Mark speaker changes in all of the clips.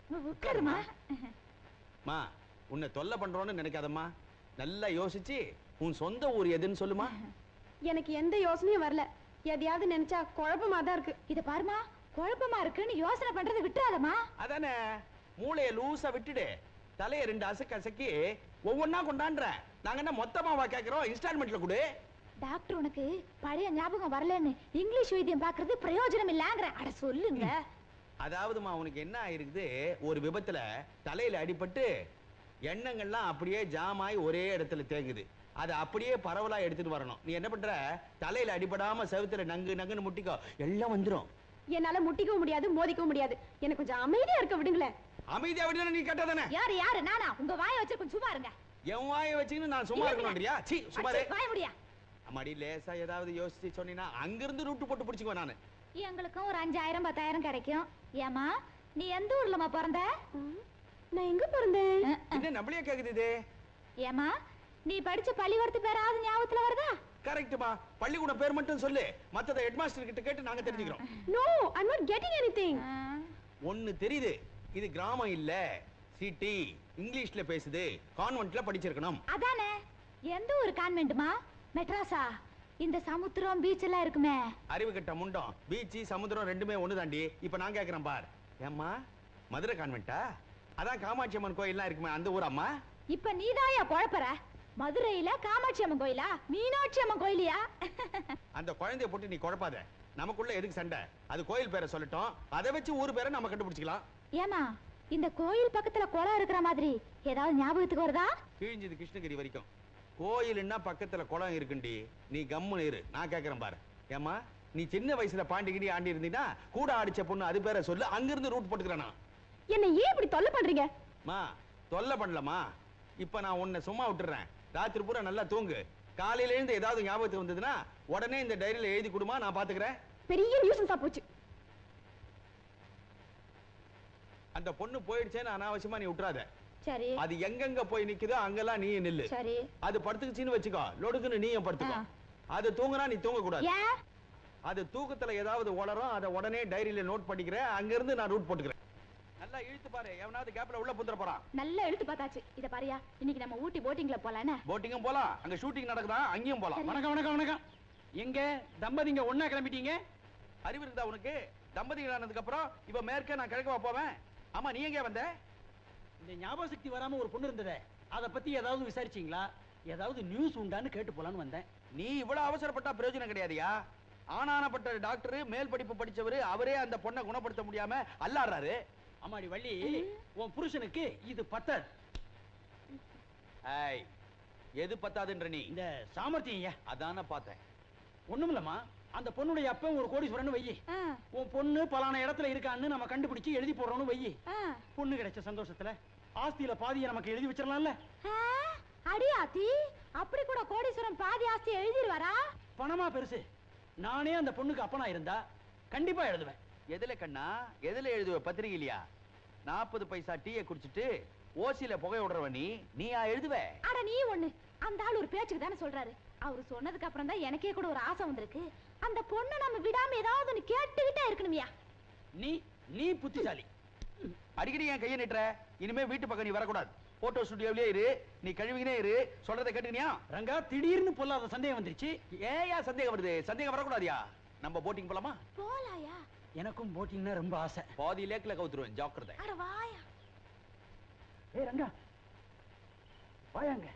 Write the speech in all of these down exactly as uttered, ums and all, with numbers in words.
Speaker 1: உட்காருமா.
Speaker 2: மா உன்னை தொல்லை பண்றோன்னு நினைக்காதம்மா. நல்லா யோசிச்சு உன் சொந்த ஊர் எதுன்னு சொல்லுமா.
Speaker 1: எனக்கு எந்த யோசனையும் வரல. எதையாவது நினைச்சா குழப்பமா தான் இருக்கு. இத பாருமா, குழப்பமா இருக்குன்னு யோசனை பண்றதை விட்டுறாதம்மா.
Speaker 2: அதானே, மூளைய லூசா விட்டுடு. தலைய ரெண்டு அசக்கு அசக்கி ஒவ்வொன்னா கொண்டாடுற. நாங்க என்ன மொத்தமாவா கேக்குறோம், இன்ஸ்டால்மெண்ட்ல கொடு.
Speaker 1: டாக்டர் உனக்கு பழைய ஞாபகம் வரலன்னு இங்கிலீஷ் வைத்தியம் பாக்குறது பிரயோஜனம் இல்லங்கற. அட சொல்லுங்க.
Speaker 2: அதாவதுமா உனக்கு என்ன ஆயிருக்குது, ஒரு விபத்துல தலையில அடிபட்டு எண்ணங்கள்லாம் அப்படியே ஜாமாய் ஒரே இடத்துல தேங்குது. அதை அப்படியே பரவலா எடுத்துட்டு வரணும். நீ என்ன பண்ற, தலையில அடிபடாம செவுத்துல நங்கு நங்குன்னு முட்டிக்கோ, எல்லாம் வந்துரும்.
Speaker 1: என்னால முட்டிக்கவும் முடியாது, மோதிக்கவும் முடியாது. எனக்கு கொஞ்சம் அமைதியா இருக்க விடுங்களேன்.
Speaker 2: அமைதியா விடுனா நீ கட்டதானே.
Speaker 1: யாரு யாரு நானா? உங்க வாயை வச்சு கொஞ்சம் சும்மா இருங்க.
Speaker 2: என் வாயை வச்சுக்கின்னு நான் சும்மா இருக்கணும்ன்றியா? சீ சும்மா இரு.
Speaker 1: வாய முடியா.
Speaker 2: அம்மாடி லேசா ஏதாவது யோசிச்சு சொன்னீனா அங்க இருந்து ரூட் போட்டு பிடிச்சுக்குவேன் நானு.
Speaker 1: எங்களுக்கும் ஒரு அஞ்சாயிரம் பத்தாயிரம் கிடைக்கும். ஏமா நீ எந்த ஊர்லமா பிறந்த? நான் எங்க பிறந்தேன்?
Speaker 2: என்ன நம்மளே கேக்குது இது?
Speaker 1: ஏமா நீ படிச்ச பள்ளிக்கூடத்து பேராவது ஞாபகத்துல வருதா?
Speaker 2: கரெக்ட்மா. பள்ளிக்கூட பேர் மட்டும் சொல்லு, மத்தத ஹெட்மாஸ்டர் கிட்ட கேட்டு நாங்க தெரிஞ்சுக்கிறோம்.
Speaker 1: No, I am not getting anything.
Speaker 2: ஒன்னு தெரியுது, இது கிராமம் இல்ல சிட்டி. இங்கிலீஷ்ல பேசுது, கான்வென்ட்ல படிச்சிருக்கணும்.
Speaker 1: அதானே. எந்த ஒரு கான்வென்ட்மா? மெட்ராஸா? இந்த சமுத்திரம் பீச் எல்லாம் இருக்குமே.
Speaker 2: அறிவு கட்ட முண்டம். பீச் சமுத்திரம் ரெண்டுமே ஒண்ணு தாண்டி. இப்ப நான் கேக்குறேன் பார். ஏம்மா மதுரை கான்வென்ட்டா? அதான் காமாட்சி அம்மன் கோயில்லாம் இருக்குமே, அந்த ஊரம்மா?
Speaker 1: இப்ப நீதாயா குழப்பற. மதுரையில காமாட்சி அம்மன் கோயிலா, மீனாட்சி அம்மன் கோயிலியா?
Speaker 2: அந்த குழந்தைய போட்டு நீ குழப்பாத. நமக்குள்ள எதுக்கு சண்டை? அது கோயில் பேரை சொல்லட்டும், அதை வச்சு ஊர் பேரை நம்ம கண்டுபிடிச்சிக்கலாம்.
Speaker 1: ஏமா இந்த கோயில் பக்கத்துல குளம் இருக்கிற மாதிரி ஏதாவது ஞாபகத்துக்கு வருதா?
Speaker 2: கிழிஞ்சது கிருஷ்ணகிரி வரைக்கும். கோயில்னா பக்கத்துல குளம் இருக்குண்டி. நீ கம்முன்னு இரு, நான் கேக்குறேன் பாரு. ஏமா நீ சின்ன வயசுல பாண்டிகிடி ஆண்டி இருந்தீனா கூட ஆடிச்ச பொண்ணு அது பேரை சொல்லு, அங்கிருந்து ரூட் போட்டுக்கிறேனா.
Speaker 1: என்ன ஏன் இப்படி தொல்லை பண்றீங்க?
Speaker 2: மா தொல்லை பண்ணலமா. இப்ப நான் உன்னை சும்மா விட்டுறேன். ராத்திரி பூரா நல்லா தூங்கு. காலையில இருந்து ஏதாவது ஞாபகத்துக்கு வந்ததுன்னா உடனே இந்த டைரியில எழுதி கொடுமா, நான் பாத்துக்கிறேன்.
Speaker 1: பெரிய நியூஸன்ஸா போச்சு.
Speaker 2: அந்த பொண்ணு போயிடுச்சேன்னு அனாவசியமா நீ விட்டுறாத.
Speaker 1: சரி.
Speaker 2: அது எங்கெங்க போய் நிக்குதோ அங்கெல்லாம் நீ நில்லு.
Speaker 1: சரி.
Speaker 2: அது படுத்துக்குச்சின்னு வச்சுக்கோ, லொடுக்குன்னு நீயும் படுத்துக்கோ. அது தூங்குனா நீ தூங்க கூடாது. அது தூக்கத்துல ஏதாவது உளரும், அதை உடனே டைரியில நோட் பண்ணிக்கிறேன். அங்க இருந்து நான் ரூட் போட்டுக்கிறேன். நல்லா இழுத்து பாரு, எவனாவது கேப்ல உள்ள புந்துற போறான்.
Speaker 1: நல்லா இழுத்து பார்த்தாச்சு. இத பாரியா, இன்னைக்கு நம்ம ஊட்டி போட்டிங்ல போலானே.
Speaker 2: போட்டிங்கும் போலாம், அங்க ஷூட்டிங் நடக்குதா, அங்கேயும் போலாம்.
Speaker 3: வணக்கம் வணக்கம் வணக்கம். எங்க தம்பதிங்க ஒண்ணா கிளம்பிட்டீங்க?
Speaker 2: அறிவு இருக்குதா உனக்கு? தம்பதிகள் ஆனதுக்கு அப்புறம் இவ மேற்க, நான் கிழக்கவா போவேன்? ஆமா, நீ எங்க வந்த?
Speaker 3: இந்த ஞாபக சக்தி வராம ஒரு பொண்ணு இருந்ததே, அத பத்தி ஏதாவது விசாரிச்சீங்களா? ஏதாவது நியூஸ் உண்டான்னு கேட்டு போலான்னு வந்தேன்.
Speaker 2: நீ இவ்வளவு அவசரப்பட்டா பிரயோஜனம் கிடையாதுயா. ஆனானப்பட்ட டாக்டர், மேல் படிப்பு படிச்சவரு, அவரே அந்த பொண்ணை குணப்படுத்த முடியாம அல்லாடுறாரு.
Speaker 3: அம்மாடி வள்ளி, உன் புருஷனுக்கு இது பத்தாது.
Speaker 2: ஐய், எது பத்தாதுன்ற நீ?
Speaker 3: இந்த சாமர்த்தியம்.
Speaker 2: அதான பார்த்தேன்.
Speaker 3: ஒண்ணுமில்லம்மா, அந்த பொண்ணுடைய அப்ப ஒரு கோடீஸ்வரன் வையி, உன் பொண்ணு பலான இடத்துல இருக்கான்னு நம்ம கண்டுபிடிச்சு எழுதி போடுறோம்னு வையி. பொண்ணு கிடைச்ச சந்தோஷத்துல ஆஸ்தியில பாதியை நமக்கு எழுதி வச்சிடலாம்ல.
Speaker 1: அடியாத்தி, அப்படி கூட கோடீஸ்வரன் பாதி ஆஸ்தி எழுதிடுவாரா?
Speaker 3: பணமா பெருசு. நானே அந்த பொண்ணுக்கு அப்பனா இருந்தா கண்டிப்பா எழுதுவேன்.
Speaker 2: எதுல கண்ணா, எதுல எழுதுவ? பத்திரிகையிலையா? நாற்பது பைசா டீயை குடிச்சிட்டு ஓசியில புகை விடுறவ நீ, நீயா எழுதுவ?
Speaker 1: அட நீ ஒண்ணு. அந்த ஆள் ஒரு பேச்சுக்கு தானே சொல்றாரு. அவரு சொன்னதுக்கு அப்புறம் தான் எனக்கே கூட ஒரு ஆசை வந்திருக்கு. அந்த பொண்ணை நம்ம விடாம ஏதாவது ஒண்ணு கேட்டுக்கிட்டே இருக்கணுமியா.
Speaker 3: நீ நீ புத்திசாலி.
Speaker 2: அடிக்கடி என் கையை நிட்டுற. இனிமே வீட்டு பக்கம் நீ வரக்கூடாது. போட்டோ ஸ்டுடியோவிலே இரு, நீ கழுவினே இரு. சொல்றதை கேட்டுக்கியா?
Speaker 3: ரங்கா, திடீர்னு பொல்லாத சந்தேகம் வந்துருச்சு.
Speaker 2: ஏயா சந்தேகம் வருது? சந்தேகம் வரக்கூடாதியா? நம்ம போட்டிங் போலாமா?
Speaker 1: போலாயா?
Speaker 3: எனக்கும் போட்டிங்னா ரொம்ப ஆசை.
Speaker 2: பாதி லேக்ல கவுத்துருவேன், ஜாக்கிரதை.
Speaker 1: அட வாயா.
Speaker 3: ஏய் ரங்கா, வாயாங்க.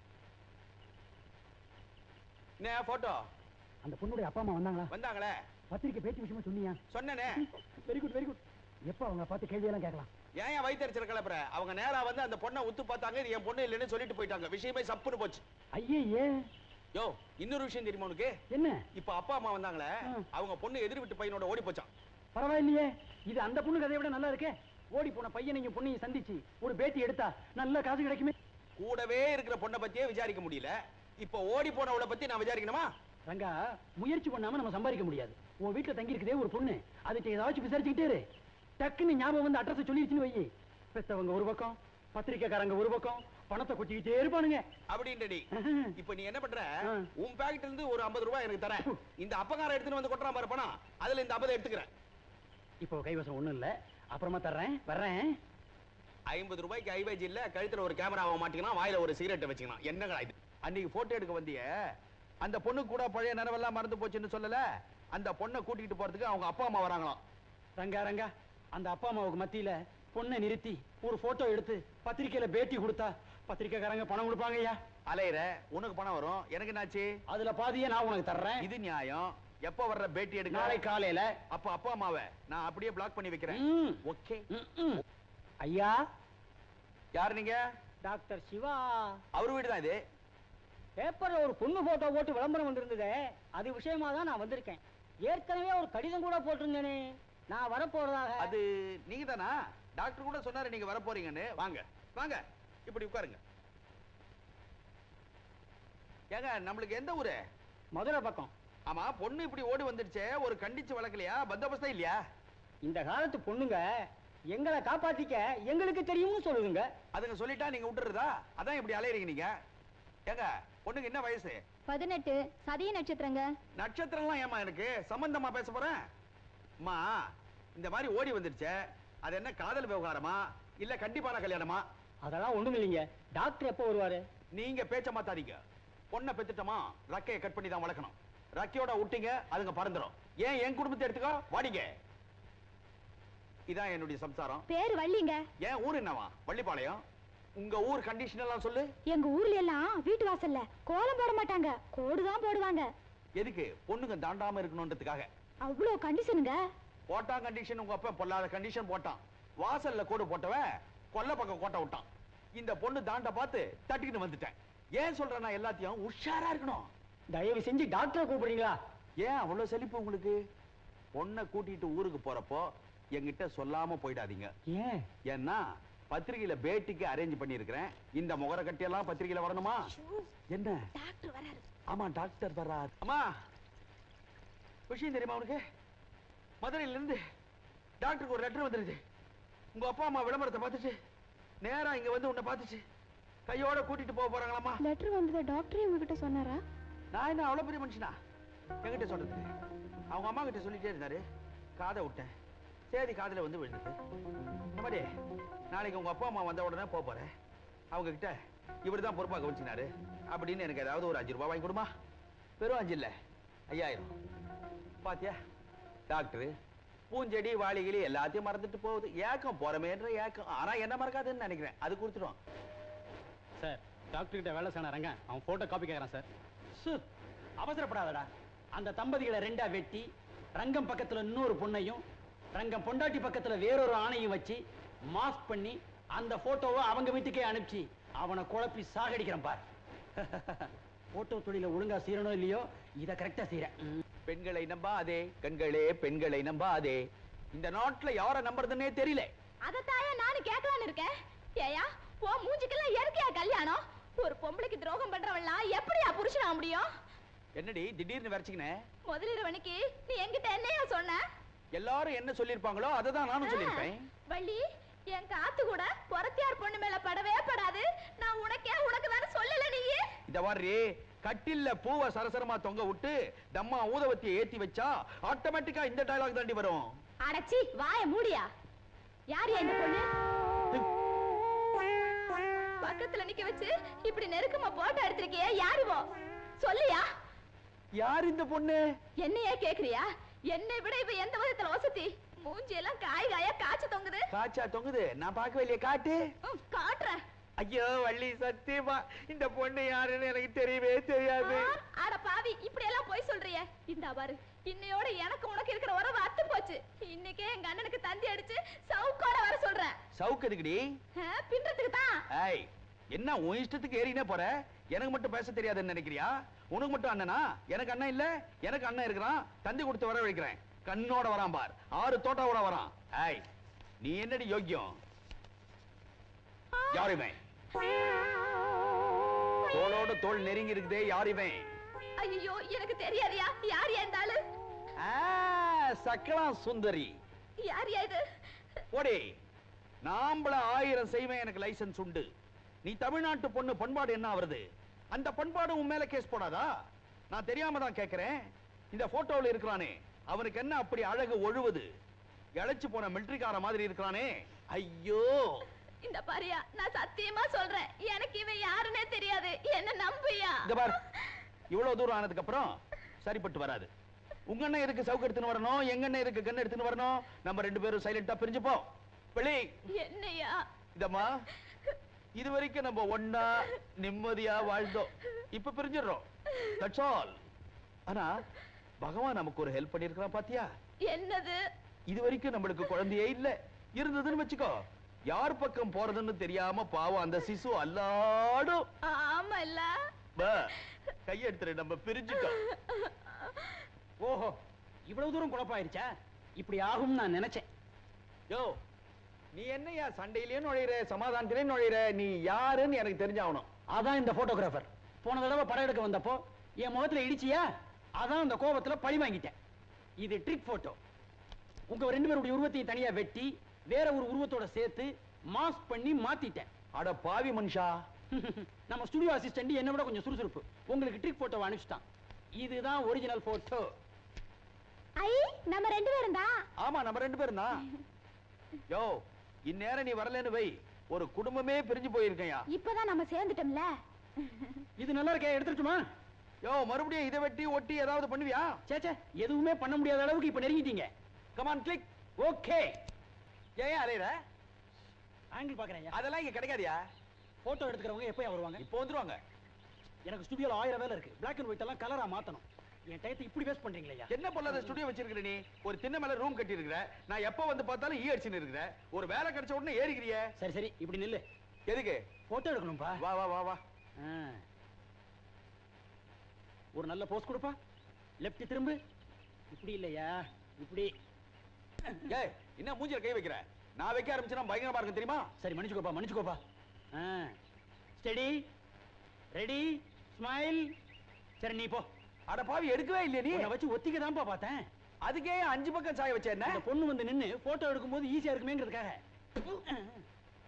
Speaker 2: என்ன போட்டோ?
Speaker 3: அந்த பொண்ணுடைய அப்பா அம்மா வந்தாங்களா?
Speaker 2: வந்தாங்களே.
Speaker 3: பத்திரிக்கை பேட்டி விஷயமா சொன்னியா?
Speaker 2: சொன்னேனே.
Speaker 3: Very good very good. எப்ப அவங்க பார்த்து கேள்வி எல்லாம் கேட்கலாம்?
Speaker 2: ஏன் ஏன் வயிற்றுச்சல் கிளப்புற? அவங்க நேரா வந்து அந்த பொண்ணை உத்து பார்த்தாங்க, இது என் பொண்ணு இல்லைன்னு சொல்லிட்டு போயிட்டாங்க. விஷயமே சப்புன்னு போச்சு.
Speaker 3: ஐயே,
Speaker 2: யோ, இன்னொரு விஷயம் தெரியுமா உனக்கு?
Speaker 3: என்ன?
Speaker 2: இப்ப அப்பா அம்மா வந்தாங்களே, அவங்க பொண்ணு எதிர் வீட்டு பையனோட ஓடி போச்சான்.
Speaker 3: பரவாயில்லையே, இது அந்த பொண்ணு கதையை விட நல்லா இருக்கே. ஓடி போன பையனையும் பொண்ணையும் சந்திச்சு ஒரு பேட்டி எடுத்தா நல்ல காசு கிடைக்குமே.
Speaker 2: கூடவே இருக்கிற பொண்ணை பத்தியே விசாரிக்க முடியல, இப்ப ஓடி போனவளை பத்தி நான் விசாரிக்கணுமா?
Speaker 3: ரங்கா, முயற்சி பண்ணாம நம்ம சம்பாதிக்க முடியாது. உன் வீட்டுல தங்கி இருக்குதே ஒரு பொண்ணு, அதுக்கு ஏதாச்சும் விசாரிச்சுக்கிட்டே இரு. டக்குன்னு ஞாபகம் வந்து அட்ரஸ் சொல்லிடுச்சுன்னு வை. பெத்தவங்க ஒரு பக்கம், பத்திரிக்கைக்காரங்க ஒரு பக்கம், பணத்தை கொட்டிக்கிட்டே இருப்பானுங்க.
Speaker 2: அப்படின்றடி. இப்ப நீ என்ன பண்ற? உன் பாக்கெட்ல இருந்து ஒரு ஐம்பது ரூபாய் எனக்கு தரேன். இந்த அப்பகார எடுத்துட்டு வந்து கொட்டுறான் பாரு பணம், அதுல இந்த ஐம்பது எடுத்துக்கிறேன்.
Speaker 3: இப்போ கைவசம் ஒண்ணும் இல்ல, அப்புறமா தர்றேன். வர்றேன்.
Speaker 2: ஐம்பது ரூபாய்க்கு ஐவேஜ் இல்ல, கழுத்துல ஒரு கேமராவை மாட்டிக்கணும், வாயில ஒரு சிகரெட்டை வச்சுக்கணும். என்னங்களா இது? அன்னைக்கு போட்டோ எடுக்க வந்திய அந்த பொண்ணு கூட பழைய நினைவெல்லாம் மறந்து போச்சுன்னு சொல்லல, அந்த பொண்ணை கூட்டிட்டு போறதுக்கு அவங்க அப்பா அம்மா வராங்களாம்.
Speaker 3: ரங்கா ரங்கா, அந்த அப்பா அம்மாவுக்கு மத்தியில பொண்ணை நிறுத்தி ஒரு போட்டோ எடுத்து பத்திரிக்கையில பேட்டி கொடுத்தா பத்திரிக்கைக்காரங்க பணம் கொடுப்பாங்க ஐயா.
Speaker 2: அலையிற, உனக்கு பணம் வரும், எனக்கு என்னாச்சு?
Speaker 3: அதுல பாதியே நான் உனக்கு தர்றேன்.
Speaker 2: இது நியாயம். எப்ப வர்ற பேட்டி எடுக்க?
Speaker 3: நாளை காலையில.
Speaker 2: அப்ப அப்பா அம்மாவை நான் அப்படியே பிளாக் பண்ணி வைக்கிறேன். ஓகே.
Speaker 3: ஐயா,
Speaker 2: யார் நீங்க?
Speaker 3: டாக்டர் சிவா.
Speaker 2: அவர் வீடு தான் இது.
Speaker 3: பேப்பர்ல ஒரு பொண்ணு போட்டோ போட்டு விளம்பரம் வந்திருந்ததே, அது விஷயமா தான் நான் வந்திருக்கேன். ஏற்கனவே ஒரு கடிதம் கூட போட்டிருந்தேனே, நான் வரப்போறதாக.
Speaker 2: அது நீங்க தானா? டாக்டர் கூட சொன்னாரு நீங்க வர போறீங்கன்னு. வாங்க வாங்க, இப்படி உட்காருங்க. ஏங்க, நம்மளுக்கு எந்த ஊரு?
Speaker 3: மதுரை பக்கம்.
Speaker 2: ஆமா, பொண்ணு இப்படி ஓடி வந்துடுச்சே, ஒரு கண்டிச்சு வளர்க்கலையா? பந்தோபஸ்தா இல்லையா?
Speaker 3: இந்த காலத்து பொண்ணுங்க எங்களை காப்பாத்திக்க எங்களுக்கு தெரியும்னு சொல்லுங்க.
Speaker 2: அதுங்க சொல்லிட்டா நீங்க விட்டுறதா? அதான் இப்படி அலையறீங்க நீங்க. ஏங்க, பொண்ணுக்கு என்ன வயசு?
Speaker 1: பதினெட்டு. சதய நட்சத்திரங்க.
Speaker 2: நட்சத்திரம்லாம் ஏமா எனக்கு சம்பந்தமா பேச போறேன்? அம்மா, இந்த மாதிரி ஓடி வந்துடுச்சே, அது என்ன காதல் விவகாரமா இல்ல கண்டிப்பான கல்யாணமா?
Speaker 3: அதெல்லாம் ஒண்ணும் இல்லைங்க. டாக்டர் எப்போ வருவாரு?
Speaker 2: நீங்க பேச்ச மாத்தாதீங்க. பொண்ணை பெத்துட்டோமா, ரக்கையை கட் பண்ணி தான் வளர்க்கணும். ரக்கையோட விட்டீங்க, அதுங்க பறந்துடும். ஏன் என் குடும்பத்தை எடுத்துக்கோ, வாடிங்க. இதான் என்னுடைய சம்சாரம்.
Speaker 1: பேரு வள்ளிங்க.
Speaker 2: ஏன் ஊர் என்னவா? வள்ளிப்பாளையம். உங்க ஊர் கண்டிஷன் எல்லாம் சொல்லு.
Speaker 1: எங்க ஊர்ல எல்லாம் வீட்டு வாசல்ல கோலம் போட மாட்டாங்க, கோடுதான் போடுவாங்க.
Speaker 2: எதுக்கு? பொண்ணுங்க தாண்டாம இருக்கணும்ன்றதுக்காக.
Speaker 1: அவ்வளோ கண்டிஷனுங்க.
Speaker 2: போட்டான் கண்டிஷன். உங்க அப்பா பொல்லாத கண்டிஷன் போட்டான். வாசல்ல கோடு போட்டவன் கொல்ல பக்கம் கோட்டை விட்டான். இந்த பொண்ணு தாண்ட பார்த்து தட்டிக்கிட்டு வந்துட்டேன். ஏன் சொல்றேன், நான் எல்லாத்தையும் உஷாரா இருக்கணும்.
Speaker 3: தயவு செஞ்சு டாக்டரை கூப்பிடுறீங்களா?
Speaker 2: ஏன் அவ்வளவு செழிப்பு உங்களுக்கு? பொண்ணை கூட்டிட்டு ஊருக்கு போறப்போ என்கிட்ட சொல்லாம போயிடாதீங்க.
Speaker 3: ஏன்?
Speaker 2: ஏன்னா பத்திரிகையில பேட்டிக்கு அரேஞ்ச் பண்ணிருக்கிறேன். இந்த முகர கட்டியெல்லாம் பத்திரிகையில வரணுமா? என்ன?
Speaker 1: டாக்டர் வராரு.
Speaker 2: ஆமா, டாக்டர் வராரு. அம்மா, விஷயம் தெரியுமா உனக்கு? மதுரையில இருந்து டாக்டருக்கு ஒரு லெட்டர் வந்துருச்சு. உங்க அப்பா அம்மா விளம்பரத்தை பார்த்துச்சு, நேரா இங்க வந்து உன்னை பார்த்துச்சு. கையோட கூட்டிட்டு போக போறாங்களாமா.
Speaker 1: லெட்டர் வந்தது டாக்டரே உங்ககிட்ட சொன்னாரா?
Speaker 2: நான் என்ன அவ்வளவு பெரிய மனுஷனா என்கிட்ட சொல்றது? அவங்க அம்மா கிட்ட சொல்லிட்டே இருந்தாரு, காதை விட்டேன். சரி, காதுல வந்து விழுந்தது. இந்த மாதிரி நாளைக்கு உங்க அப்பா அம்மா வந்த உடனே போக போறேன். அவங்க கிட்ட இவர் தான் பொறுப்பாக கவனிச்சினாரு அப்படின்னு எனக்கு ஏதாவது ஒரு அஞ்சு ரூபாய் வாங்கி கொடுமா. வெறும் அஞ்சு இல்ல, ஐயாயிரம். பாத்தியா, டாக்டரு பூஞ்செடி வாளிகளி எல்லாத்தையும் மறந்துட்டு போகுது. ஏக்கம் போறமேன்ற ஏக்கம். ஆனா என்ன மறக்காதுன்னு நினைக்கிறேன். அது கொடுத்துருவோம்
Speaker 3: சார். டாக்டர் கிட்ட வேலை செய்யணும் ரங்க, அவன் போட்டோ காப்பி கேட்கறான் சார். சு, அவசரப்படாதடா. அந்த தம்பதிகளை ரெண்டா வெட்டி ரங்கம் பக்கத்துல இன்னொரு பொண்ணையும் ரங்கம் பொண்டாட்டி பக்கத்துல வேறொரு ஆணையும் வச்சு மாஸ்க் பண்ணி அந்த போட்டோவை அவங்க வீட்டுக்கே அனுப்பிச்சு அவனை குழப்பி சாகடிக்கிறேன் பார். போட்டோ தொழில ஒழுங்கா செய்யறனோ இல்லையோ, இத கரெக்டா செய்யறேன்.
Speaker 2: பெண்களை நம்பாதே கண்களே, பெண்களை நம்பாதே. இந்த நாட்டுல யார நம்புறதுன்னே தெரியல.
Speaker 1: அதத்தாயா நானும் கேட்கலான்னு இருக்கேன். ஏயா, போ மூஞ்சிக்கெல்லாம் இயற்கையா கல்யாணம்? ஒரு பொம்பளைக்கு துரோகம் பண்றவன்லாம் எப்படியா புருஷனா முடியும்?
Speaker 2: என்னடி திடீர்னு வரைச்சிக்கினே?
Speaker 1: முதலிரவனுக்கு நீ என்கிட்ட என்னையா சொன்ன?
Speaker 2: எல்லாரும் என்ன சொல்லிருப்பாங்களோ அதை தான் நானும் சொல்லிருப்பேன்.
Speaker 1: வள்ளி, என் காத்து கூட பொறத்தியார் பொண்ணு மேல படவே படாது. நான் உனக்கே உனக்கு தானே சொல்லல நீ.
Speaker 2: இத வாரி கட்டில்ல பூவை சரசரமா தொங்க விட்டு தம்மா ஊதவத்தியை ஏத்தி வச்சா ஆட்டோமேட்டிக்கா இந்த டயலாக் தாண்டி வரும்.
Speaker 1: அடச்சி, வாய மூடியா. யார் இந்த பொண்ணு? பக்கத்துல நிக்க வச்சு இப்படி நெருக்கமா போட்டோ எடுத்திருக்கியே, யாருவோ சொல்லியா?
Speaker 2: யார் இந்த பொண்ணு?
Speaker 1: என்னையே கேக்குறியா? என்னை விட இவ எந்த விதத்துல வசதி? மூஞ்சி எல்லாம் காய் காயா காய்ச்சி தொங்குது.
Speaker 2: காய்ச்சா தொங்குது? நான் பார்க்கவே இல்லையே, காட்டு.
Speaker 1: காட்டுறேன்.
Speaker 2: ஐயோ வள்ளி, சத்தியமா இந்த பொண்ணு யாருன்னு எனக்கு தெரியவே தெரியாது.
Speaker 1: அட பாவி, இப்படி எல்லாம் போய் சொல்றியே. இந்த பாரு, இன்னையோட எனக்கு உனக்கு இருக்கிற உறவு அத்து போச்சு. இன்னைக்கே எங்க அண்ணனுக்கு தந்தி அடிச்சு சவுக்கோட வர சொல்றேன்.
Speaker 2: சவுக்கு எதுக்குடி?
Speaker 1: பின்றதுக்கு தான்.
Speaker 2: ஏய், என்ன உன் இஷ்டத்துக்கு ஏறினே போற? எனக்கு மட்டும் பேச தெரியாதுன்னு நினைக்கிறியா? உனக்கு மட்டும் அண்ணனா? எனக்கு அண்ணன் இல்ல. எனக்கு அண்ணன் இருக்கிறான். தந்தி கொடுத்து வர வைக்கிறேன். கண்ணோட வரான் பார், ஆறு தோட்டாவோட வரான். ஏய், நீ என்னடி யோக்கியம்? யாருமே தோளோட தோள் நெருங்கி இருக்குதே, யாருமே?
Speaker 1: ஐயோ, எனக்கு தெரியாதியா. யார் ஏந்தாளு?
Speaker 2: சக்கலா சுந்தரி.
Speaker 1: யார் இது?
Speaker 2: போடி, நாம்பள ஆயிரம் செய்வேன், எனக்கு லைசன்ஸ் உண்டு. நீ தமிழ்நாட்டு பொண்ணு, பண்பாடு என்ன வருது? அந்த பண்பாடு உன் மேல கேஸ் போடாதா? நான் தெரியாம தான் கேட்கிறேன். இந்த போட்டோவில் இருக்கிறானே, அவனுக்கு என்ன அப்படி அழகு ஒழுவது? இழைச்சு போன மிலிட்டரிக்கார மாதிரி இருக்கிறானே. ஐயோ,
Speaker 1: இந்த பாரியா நான் சத்தியமா சொல்றேன் எனக்கு இவன் யாருன்னே தெரியாது என்ன நம்பியா
Speaker 2: இந்த பார் இவ்வளவு தூரம் ஆனதுக்கு அப்புறம் சரிப்பட்டு வராது உங்க அண்ணன் இருக்கு சவுக்கு எடுத்துன்னு வரணும் எங்க அண்ணன் இருக்கு கண்ணு எடுத்துன்னு வரணும் நம்ம ரெண்டு பேரும் சைலண்டா பிரிஞ்சுப்போம் வெளி
Speaker 1: என்னையா
Speaker 2: இதம்மா இது வரைக்கும் நம்ம ஒண்ணா நிம்மதியா வாழ்ந்தோம் இப்ப பிரிஞ்சிடுறோம் தட்ஸ் ஆல் ஆனா பகவான் நமக்கு ஒரு ஹெல்ப் பண்ணிருக்கான் பாத்தியா
Speaker 1: என்னது
Speaker 2: இது வரைக்கும் நம்மளுக்கு குழந்தையே இல்ல இருந்ததுன்னு வச்சுக்கோ யார் பக்கம் போறதுன்னு தெரியாம பாவம் அந்த சிசு அல்லாடும்
Speaker 1: ஆமா இல்ல
Speaker 2: கையெடுத்துரு நம்ம பிரிஞ்சுட்டோம்
Speaker 3: ஓஹோ இவ்வளவு தூரம் குழப்பாயிருச்சா இப்படி ஆகும் நான் நினைச்சேன்
Speaker 2: யோ நீ என்னையா சண்டையிலேயே நுழையிற சமாதானத்திலே நுழையிற நீ யாருன்னு எனக்கு தெரிஞ்சாகணும்
Speaker 3: அதான் இந்த போட்டோகிராஃபர் போன தடவை படம் எடுக்க வந்தப்போ என் முகத்துல இடிச்சியா அதான் அந்த கோபத்துல பழி வாங்கிட்டேன் இது ட்ரிக் போட்டோ உங்க ரெண்டு பேருடைய உருவத்தையும் தனியா வெட்டி வேற ஒரு உருவத்தோட சேர்த்து மாஸ்க் பண்ணி மாத்திட்டேன்
Speaker 2: அட பாவி மனுஷா
Speaker 3: நம்ம ஸ்டுடியோ அசிஸ்டன்ட் என்ன விட கொஞ்சம் சுறுசுறுப்பு உங்களுக்கு ட்ரிக் போட்டோ அனுப்பிச்சிட்டான் இதுதான் ஒரிஜினல் போட்டோ
Speaker 1: ஐ நம்ம ரெண்டு பேரும் தான்
Speaker 2: ஆமா நம்ம ரெண்டு பேரும் தான் யோ இந்நேரம் நீ வரலன்னு வை ஒரு குடும்பமே பிரிஞ்சு போயிருக்கையா
Speaker 1: இப்பதான் நம்ம சேர்ந்துட்டோம்ல
Speaker 3: இது நல்லா இருக்கே எடுத்துட்டுமா
Speaker 2: யோ மறுபடியும் இதை வெட்டி ஒட்டி ஏதாவது பண்ணுவியா
Speaker 3: சேச்சே எதுவுமே பண்ண முடியாத அளவுக்கு இப்ப நெருங்கிட்டீங்க
Speaker 2: கமான் கிளிக்
Speaker 3: ஓகே
Speaker 2: ஏன் அலையற
Speaker 3: ஆங்கிள் பாக்குறேன்
Speaker 2: அதெல்லாம் இங்க கிடைக்காதியா
Speaker 3: போட்டோ எடுத்துக்கிறவங்க எப்போ வருவாங்க
Speaker 2: இப்போ வந்துருவாங்க
Speaker 3: எனக்கு ஸ்டுடியோல ஆயிரம் வேலை இருக்கு பிளாக் அண்ட் ஒயிட் எல்லாம் கலரா மாத்தணும் என் டயத்தை இப்படி வேஸ்ட் பண்றீங்களா
Speaker 2: என்ன பொல்லாத ஸ்டுடியோ வச்சிருக்கிற நீ ஒரு திண்ணை மேல ரூம் கட்டி இருக்கிற நான் எப்ப வந்து பார்த்தாலும் ஈ அடிச்சுன்னு இருக்கிற ஒரு வேலை கிடைச்ச உடனே ஏறிக்கிறிய
Speaker 3: சரி சரி இப்படி நில்லு
Speaker 2: எதுக்கு
Speaker 3: போட்டோ எடுக்கணும்பா
Speaker 2: வா வா வா வா
Speaker 3: ஒரு நல்ல போஸ் கொடுப்பா லெஃப்ட் திரும்பு இப்படி இல்லையா இப்படி
Speaker 2: ஏய் என்ன மூஞ்சில கை வைக்கிற நான் வைக்க ஆரம்பிச்சேன்னா பயங்கரமா இருக்கும் தெரியுமா
Speaker 3: சரி மன்னிச்சுக்கோப்பா மன்னிச்சுக்கோப்பா ஸ்டெடி ரெடி ஸ்மைல் சரி நீ போ
Speaker 2: அட பாவி எடுக்கவே இல்லையா நீ
Speaker 3: உன்னை வச்சு ஒத்திக்க தான்ப்பா பார்த்தேன்
Speaker 2: அதுக்கே அஞ்சு பக்கம் சாய வச்ச என்ன
Speaker 3: அந்த பொண்ணு வந்து நின்னு போட்டோ எடுக்கும்போது ஈஸியா இருக்குமேங்கிறதுக்காக